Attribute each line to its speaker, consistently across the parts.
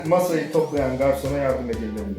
Speaker 1: Masayı toplayan garsona yardım edeyim dedim.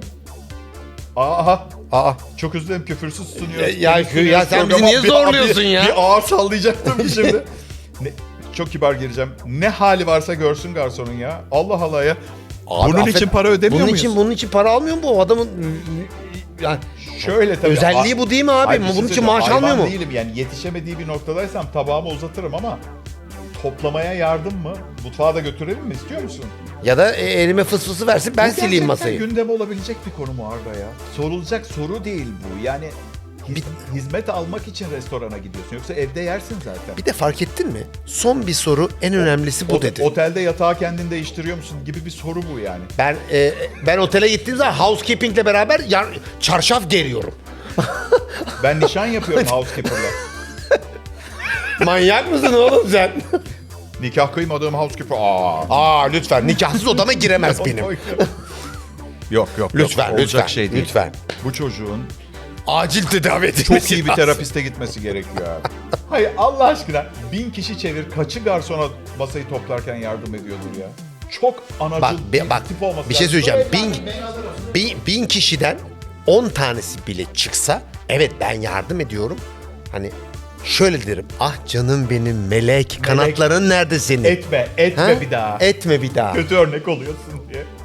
Speaker 2: Aa. Çok özledim, küfürsüz sunuyoruz.
Speaker 3: Ya sen bizi niye zorluyorsun ya?
Speaker 2: Bir ağır sallayacaktım şimdi. Çok kibar gireceğim. Ne hali varsa görsün garsonun ya. Allah Allah ya.
Speaker 3: Abi,
Speaker 2: bunun için para ödemiyor muyuz?
Speaker 3: Bunun için para almıyor mu bu adamın? Yani
Speaker 2: Şöyle tabii.
Speaker 3: özelliği bu değil mi abi?
Speaker 2: Hayır, bir şey
Speaker 3: Bunun için
Speaker 2: söyleyeceğim.
Speaker 3: maaş almıyor
Speaker 2: Hayvan
Speaker 3: mu?
Speaker 2: değilim yani, yetişemediği bir noktadaysam tabağımı uzatırım ama toplamaya yardım mı? Mutfağa da götürelim mi? İstiyor musun?
Speaker 3: Ya da elime fısfısı versin ben
Speaker 2: Bu
Speaker 3: sileyim masayı.
Speaker 2: gerçekten gündeme olabilecek bir konu mu Arda ya? Sorulacak soru değil bu. Yani hizmet almak için restorana gidiyorsun. Yoksa evde yersin zaten.
Speaker 3: Bir de fark ettin mi? Son bir soru, en önemlisi bu dedi.
Speaker 2: Otelde yatağı kendin değiştiriyor musun gibi bir soru bu yani.
Speaker 3: Ben otele gittiğim zaman housekeeping'le beraber çarşaf geriyorum.
Speaker 2: Ben nişan yapıyorum housekeeper'la.
Speaker 3: Manyak mısın oğlum sen?
Speaker 2: Nikah kıymadığım housekeeper.
Speaker 3: Lütfen nikahsız odama giremez benim.
Speaker 2: Yok.
Speaker 3: Lütfen,
Speaker 2: Olacak
Speaker 3: lütfen,
Speaker 2: şey değil.
Speaker 3: lütfen.
Speaker 2: Bu çocuğun
Speaker 3: Acil tedavi edilmesi
Speaker 2: çok iyi bir
Speaker 3: lazım.
Speaker 2: terapiste gitmesi gerekiyor abi. Hayır Allah aşkına 1000 kişi çevir, kaçı garsona masayı toplarken yardım ediyordur ya. Çok anacıl
Speaker 3: Bak,
Speaker 2: tip olması
Speaker 3: bir şey
Speaker 2: lazım.
Speaker 3: söyleyeceğim. Bin kişiden 10 tanesi bile çıksa, evet ben yardım ediyorum. Hani şöyle derim. Ah canım benim melek, kanatların nerede senin?
Speaker 2: Etme
Speaker 3: Ha?
Speaker 2: bir daha.
Speaker 3: Etme bir daha.
Speaker 2: Kötü örnek oluyorsun diye.